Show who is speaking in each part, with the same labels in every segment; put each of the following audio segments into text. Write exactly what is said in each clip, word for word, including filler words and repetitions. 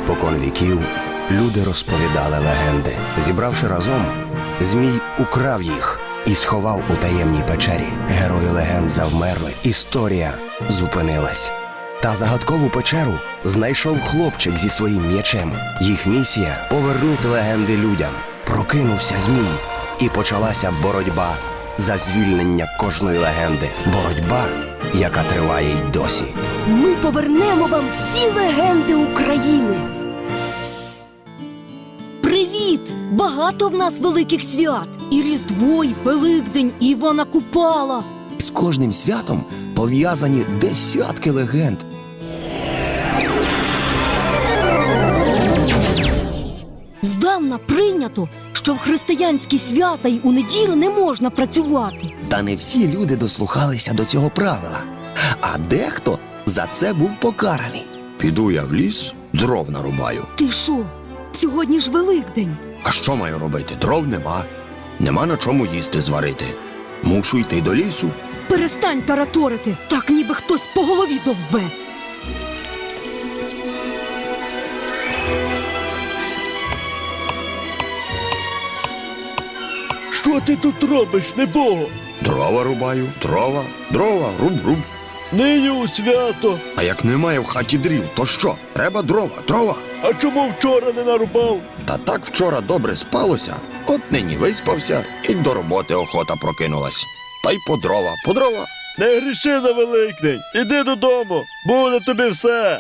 Speaker 1: Спокон віків люди розповідали легенди. Зібравши разом, Змій украв їх і сховав у таємній печері. Герої легенд завмерли, історія зупинилась. Та загадкову печеру знайшов хлопчик зі своїм м'ячем. Їх місія – повернути легенди людям. Прокинувся Змій, і почалася боротьба за звільнення кожної легенди. Боротьба, яка триває й досі.
Speaker 2: Ми повернемо вам всі легенди України. Привіт! Багато в нас великих свят. І Різдво, і Великдень, і Івана Купала.
Speaker 1: З кожним святом пов'язані десятки легенд.
Speaker 2: Здавна прийнято, що в християнські свята й у неділю не можна працювати.
Speaker 1: Та не всі люди дослухалися до цього правила. А дехто за це був покараний. Піду я в ліс, дров нарубаю.
Speaker 2: Ти що? Сьогодні ж Великдень.
Speaker 1: А що маю робити? Дров нема. Нема на чому їсти зварити. Мушу йти до лісу.
Speaker 2: Перестань тараторити, так ніби хтось по голові довбе.
Speaker 3: Що ти тут робиш, небого?
Speaker 1: Дрова рубаю, дрова, дрова, руб-руб.
Speaker 3: Нині у свято.
Speaker 1: А як немає в хаті дрів, то що? Треба дрова, дрова.
Speaker 3: А чому вчора не нарубав?
Speaker 1: Та так вчора добре спалося, от нині виспався, і до роботи охота прокинулась. Та й по дрова, по дрова.
Speaker 3: Не гріши на Великдень. Іди додому, буде тобі все.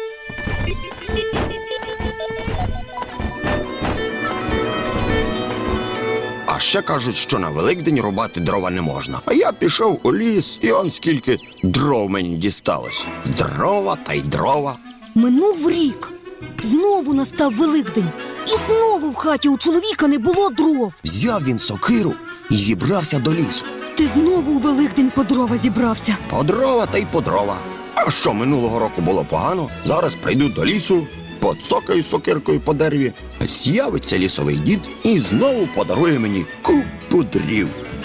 Speaker 1: А ще кажуть, що на Великдень рубати дрова не можна. А я пішов у ліс, і он скільки дров мені дісталось. Дрова та й дрова.
Speaker 2: Минув рік. Знову настав Великдень. І знову в хаті у чоловіка не було дров.
Speaker 1: Взяв він сокиру і зібрався до лісу.
Speaker 2: Ти знову у Великдень по дрова зібрався.
Speaker 1: По дрова та й по дрова. А що минулого року було погано, зараз прийду до лісу, поцокаю сокиркою по дереві, з'явиться лісовий дід і знову подарує мені купу дрів.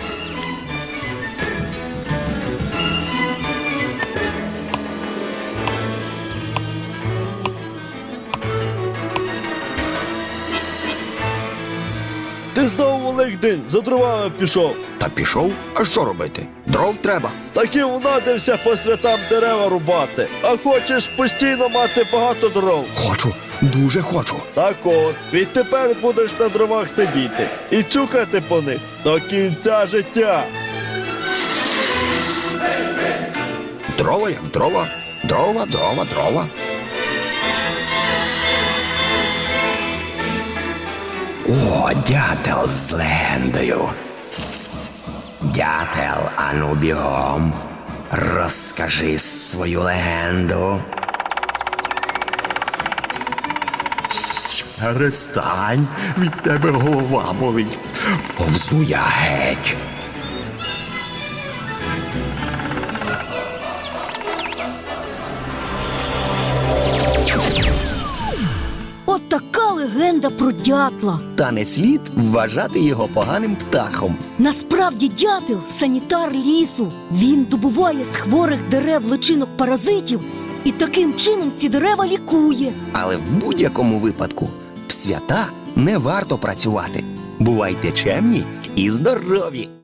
Speaker 3: Ти знову Великдень за дровами пішов.
Speaker 1: Та пішов? А що робити? Дров треба.
Speaker 3: Так і унадився по святам дерева рубати. А хочеш постійно мати багато дров.
Speaker 1: Хочу, дуже хочу.
Speaker 3: Так от, відтепер будеш на дровах сидіти і цюкати по них до кінця життя.
Speaker 1: Дрова як дрова, дрова, дрова, дрова. О, дятел з легендою. Тс, дятел, ану бігом. Розкажи свою легенду. Тс, перестань, від тебе голова болить. Повзу я геть.
Speaker 2: От така легенда про дятла.
Speaker 1: Та не слід вважати його поганим птахом.
Speaker 2: Насправді дятел – санітар лісу. Він добуває з хворих дерев личинок паразитів і таким чином ці дерева лікує.
Speaker 1: Але в будь-якому випадку в свята не варто працювати. Бувайте чемні і здорові!